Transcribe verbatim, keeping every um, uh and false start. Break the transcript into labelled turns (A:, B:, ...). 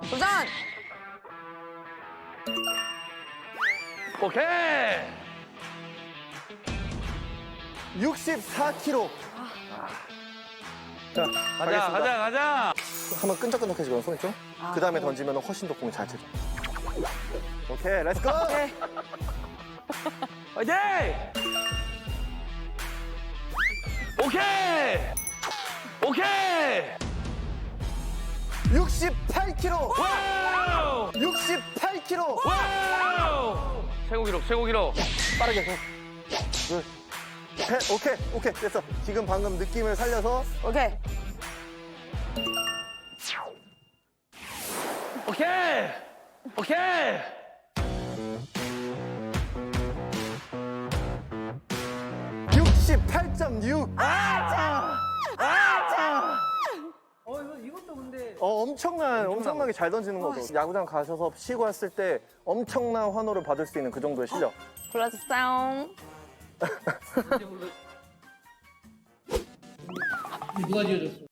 A: 도전!
B: 오케이.
C: 육십사 킬로그램. 자,
B: 가자,
C: 가겠습니다.
B: 가자, 가자.
C: 한번 끈적끈적해지거든, 손이 좀. 그 다음에 던지면 훨씬 더 공이 잘 쳐져. 오케이, 렛츠고!
A: 오케이.
B: 오케이. 오케이. 오케이.
C: 육십팔 킬로그램.
B: 와우.
C: 육십팔 킬로그램.
B: 와우. 최고 기록, 최고 기록.
C: 빠르게. 둘, 셋. 오케이, 오케이, 됐어. 지금 방금 느낌을 살려서.
A: 오케이.
B: 오케이. 오케이.
C: 육십팔 점 육.
B: 아! 아!
D: 어, 이거, 이것도 근데.
C: 어, 엄청난, 엄청나게 잘 던지는 거죠. 야구장 가셔서 쉬고 왔을 때 엄청난 환호를 받을 수 있는 그 정도의 실력.
A: 골라주세요.
D: 누가 지어줬어?